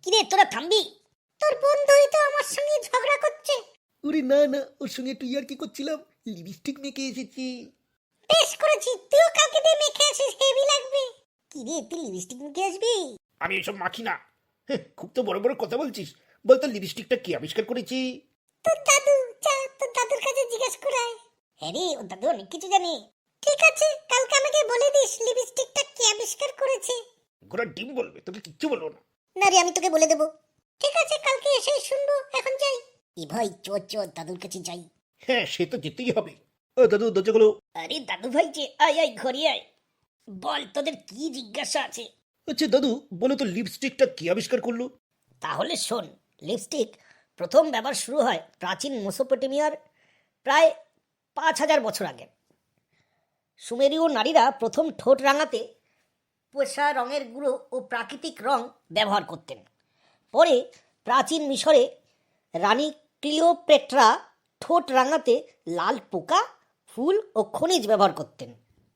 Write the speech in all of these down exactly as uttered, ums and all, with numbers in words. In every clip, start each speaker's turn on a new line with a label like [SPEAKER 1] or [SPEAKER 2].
[SPEAKER 1] কিরে তোরা থামবি? তোর বন্ধুই তো আমার সঙ্গে ঝগড়া করছে।
[SPEAKER 2] ওরে না না, ওর সঙ্গে একটু ইয়ার কি করছিলাম, লিপস্টিক মেখে এসেছি।
[SPEAKER 1] বেশ করেছি, তুইও কালকে দিয়ে মেখে আসিস, হেভি লাগবে। কিরে তুই লিপস্টিক মেখে আসবি?
[SPEAKER 2] আমি এসব মাখি না। হ্যাঁ, খুব তো বড় বড় কথা বলছিস। বলতো লিপস্টিকটা কে আবিষ্কার করেছি?
[SPEAKER 1] তোর দাদু, যা তোর দাদুর কাছে জিজ্ঞেস করায়। হ্যাঁ রে, ওর দাদু অনেক কিছু জানে। ঠিক আছে, কালকে আমাকে বলে দিস লিপস্টিকটা কে আবিষ্কার করেছে।
[SPEAKER 2] ঘোড়া ডিম বলবে, তোকে কিচ্ছু বলবো না।
[SPEAKER 1] না রে, আমি তোকে বলে দেবো। ঠিক আছে, কালকে এসে শুনবো, এখন যাই। এ ভাই চোর চোর, দাদুর কাছে যাই।
[SPEAKER 2] হ্যাঁ, সে তো যেতেই হবে। ও দাদু, দরজাগুলো।
[SPEAKER 1] আরে দাদু ভাই যে, আয় আয় ঘরে আয়। বল, তোদের কি জিজ্ঞাসা আছে?
[SPEAKER 2] আচ্ছা দাদু, বলো তো লিপস্টিকটা কে আবিষ্কার করলো?
[SPEAKER 1] তাহলে শোন, লিপস্টিক প্রথম ব্যবহার শুরু হয় প্রাচীন মেসোপটেমিয়ার প্রায় পাঁচ হাজার বছর আগে। সুমেরীয় নারীরা প্রথম ঠোঁট রাঙাতে পোষা রঙের গুঁড়ো ও প্রাকৃতিক রং ব্যবহার করতেন। পরে প্রাচীন মিশরে রানী ক্লিওপেট্রা ঠোঁট রাঙাতে লাল পোকা, ফুল ও খনিজ ব্যবহার করতেন।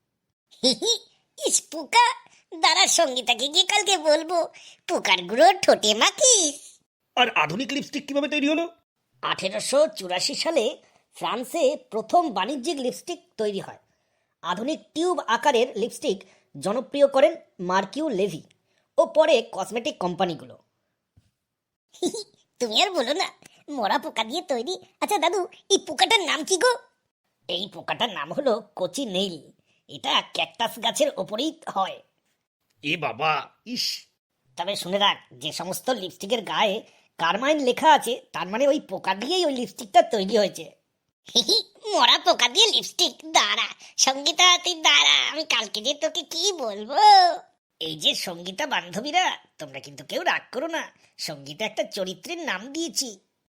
[SPEAKER 1] ইস পোকা, দাঁড়া সঙ্গীতাকে গিয়ে কালকে বলবো পোকার গুঁড়ো ঠোঁটে মাখিস।
[SPEAKER 2] আর আধুনিক লিপস্টিক কিভাবে তৈরি হলো?
[SPEAKER 1] আঠেরোশো চুরাশি সালে ফ্রান্সে প্রথম বাণিজ্যিক লিপস্টিক তৈরি হয়। আধুনিক টিউব আকারের লিপস্টিক জনপ্রিয় করেন মার্কিউ লেভি ও পরে কসমেটিক কোম্পানিগুলো। তুমি আর বলো না, মরা পোকা দিয়ে তৈরি। আচ্ছা দাদু, এই পোকাটার নাম কি গো? এই পোকাটার নাম হলো কচি নেইল। এটা ক্যাকটাস গাছের ওপরেই হয়।
[SPEAKER 2] এ বাবা, ইস।
[SPEAKER 1] তবে শুনে রাখ, যে সমস্ত লিপস্টিকের গায়ে কারমাইন লেখা আছে, তার মানে ওই পোকা দিয়েই ওই লিপস্টিকটা তৈরি হয়েছে। মরা পোকা দিয়ে লিপস্টিক? দাঁড়া সঙ্গীতা, তুই দাঁড়া, আমি কালকে যে তোকে কি বলবো। এই যে সঙ্গীতা বান্ধবীরা, তোমরা কিন্তু কেউ রাগ করো না, সঙ্গীতা একটা চরিত্রের নাম দিয়েছি।